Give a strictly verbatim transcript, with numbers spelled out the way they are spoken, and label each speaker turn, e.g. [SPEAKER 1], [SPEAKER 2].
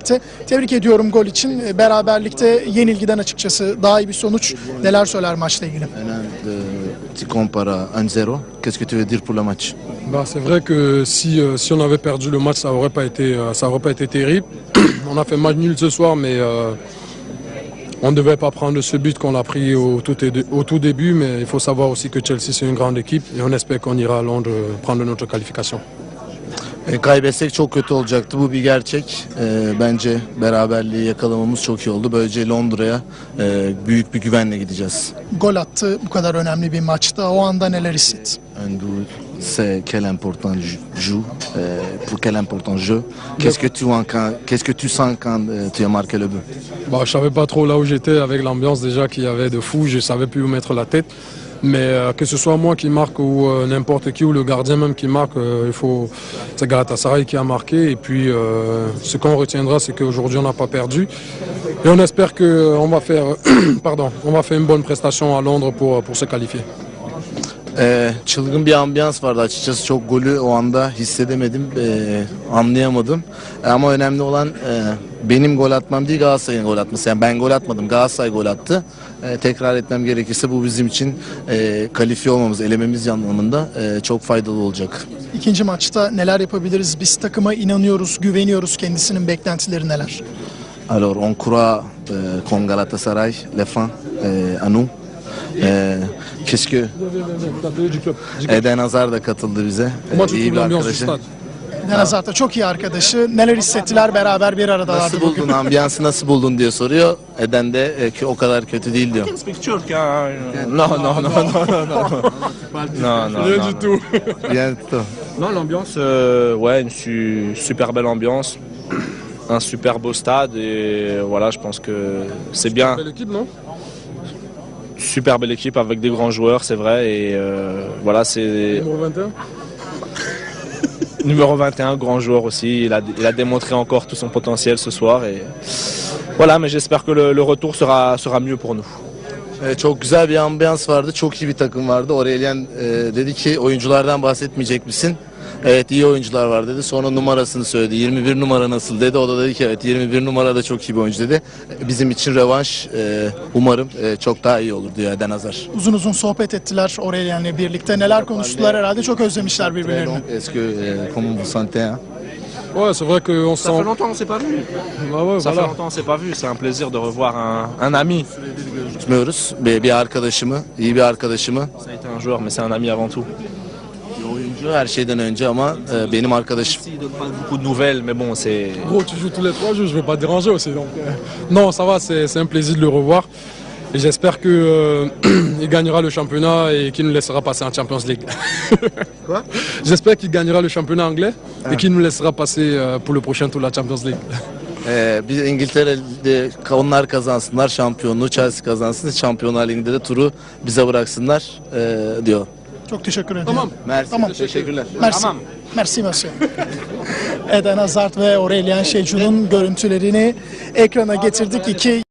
[SPEAKER 1] Tebrik ediyorum gol için. Beraberlikte yenilgiden açıkçası daha iyi bir sonuç. Neler söyler maçla ilgili?
[SPEAKER 2] Tu compares à un zéro. Qu'est-ce que tu veux dire pour le match?
[SPEAKER 3] Bah, c'est vrai que si, euh, si on avait perdu le match, ça aurait pas été, euh, ça aurait pas été terrible. On a fait match nul ce soir, mais euh, on ne devait pas prendre ce but qu'on a pris au tout, au tout début. Mais il faut savoir aussi que Chelsea c'est une grande équipe et on espère qu'on ira à Londres prendre notre qualification.
[SPEAKER 2] E, kaybetsek çok kötü olacaktı. Bu bir gerçek. E, bence beraberliği yakalamamız çok iyi oldu. Böylece Londra'ya e, büyük bir güvenle gideceğiz.
[SPEAKER 1] Gol attı bu kadar önemli bir maçta. O anda neler hissetti?
[SPEAKER 2] Un goal, c'est quel important joue, euh, pour quel important jeu. Qu'est-ce que tu qu'est-ce que tu sens quand euh, tu as marqué le but?
[SPEAKER 3] Bah, je savais pas trop là où j'étais avec l'ambiance déjà qu'il y avait de fou. Je savais plus où mettre la tête. Mais euh, que ce soit moi qui marque ou euh, n'importe qui ou le gardien même qui marque, euh, il faut c'est Galatasaray qui a marqué. Et puis euh, ce qu'on retiendra, c'est qu'aujourd'hui on n'a pas perdu. Et on espère que on va faire, pardon, on va faire une bonne prestation à Londres pour pour se qualifier.
[SPEAKER 2] Ee, çılgın bir ambiyans vardı açıkçası, çok golü o anda hissedemedim, ee, anlayamadım. Ama önemli olan e, benim gol atmam değil, Galatasaray'ın gol atması. Yani ben gol atmadım, Galatasaray gol attı. Ee, tekrar etmem gerekirse bu bizim için e, kalifiye olmamız, elememiz anlamında e, çok faydalı olacak.
[SPEAKER 1] İkinci maçta neler yapabiliriz? Biz takıma inanıyoruz, güveniyoruz. Kendisinin beklentileri neler?
[SPEAKER 2] Alors on croit euh, con Galatasaray, les fans, euh, à nous. Ee, keşke Eden Hazard da katıldı bize. Ee, iyi bir arkadaşı.
[SPEAKER 1] Eden Hazard da çok iyi arkadaşı. Neler hissettiler, beraber bir aradalardı
[SPEAKER 2] Nasıl
[SPEAKER 1] bugün.
[SPEAKER 2] buldun, ambiyansı nasıl buldun diye soruyor. Eden de e, ki o kadar kötü değil diyor.
[SPEAKER 4] Non, non, non, non, non, non. Non, non,
[SPEAKER 3] Rien
[SPEAKER 4] non,
[SPEAKER 3] du tout.
[SPEAKER 2] Bien tout.
[SPEAKER 4] Non, l'ambiance, euh, ouais, une su- super belle ambiance, un super beau stade et voilà, je pense que c'est bien.
[SPEAKER 3] Belle équipe, non?
[SPEAKER 4] Super belle équipe avec des grands joueurs, c'est vrai, et euh, voilà, c'est
[SPEAKER 3] Numéro vingt et un.
[SPEAKER 4] numéro vingt et un, grand joueur aussi. Il a, il a démontré encore tout son potentiel ce soir et voilà, mais j'espère que le, le retour sera, sera mieux pour nous.
[SPEAKER 2] Ee, çok güzel bir ambiyans vardı. Çok iyi bir takım vardı. Aurelien e, dedi ki oyunculardan bahsetmeyecek misin? Evet, iyi oyuncular var dedi. Sonra numarasını söyledi. yirmi bir numara nasıl dedi. O da dedi ki evet, yirmi bir numara da çok iyi bir oyuncu dedi. Bizim için rövanş e, umarım e, çok daha iyi olur diyor Eden Hazard.
[SPEAKER 1] Uzun uzun sohbet ettiler Aurelien'le birlikte. Neler konuştular herhalde? Çok özlemişler birbirlerini.
[SPEAKER 2] Est-ce que euh, comment vous sentez, hein?
[SPEAKER 3] Ouais, c'est vrai qu'on se
[SPEAKER 4] Ça fait
[SPEAKER 3] sent.
[SPEAKER 4] longtemps qu'on s'est pas vu.
[SPEAKER 3] Bah ouais,
[SPEAKER 4] Ça fait
[SPEAKER 3] voilà.
[SPEAKER 4] longtemps qu'on s'est pas vu. C'est un plaisir de revoir un, un ami.
[SPEAKER 2] Tutmuyoruz. Bir, bir arkadaşımı, iyi bir arkadaşımı.
[SPEAKER 4] Ça a été un joueur, mais c'est un ami avant tout.
[SPEAKER 2] Bir oyuncu her şeyden önce ama e, benim arkadaşım.
[SPEAKER 4] Il donne pas beaucoup de nouvelles, mais bon, c'est.
[SPEAKER 3] Gros, tu joues tous les trois jours, je vais pas te déranger aussi. Donc, euh, non, ça va, c'est c'est un plaisir de le revoir. Et j'espère qu'il euh, gagnera le championnat et qu'il nous laissera passer en Champions League.
[SPEAKER 2] Quoi?
[SPEAKER 3] J'espère qu'il gagnera le championnat anglais et qu'il nous laissera passer euh, pour le prochain tour de la Champions League.
[SPEAKER 2] Ee, biz İngiltere'de onlar kazansınlar şampiyonluğu, Chelsea kazansın, Şampiyonlar Ligi'nde de turu bize bıraksınlar e, diyor.
[SPEAKER 1] Çok teşekkür ederim.
[SPEAKER 3] Tamam.
[SPEAKER 2] Merci,
[SPEAKER 1] Tamam.
[SPEAKER 2] teşekkürler.
[SPEAKER 1] Merci.
[SPEAKER 4] Tamam.
[SPEAKER 1] Merci monsieur. Eden Hazard ve Aurelien Şecu'nun görüntülerini ekrana getirdik. İki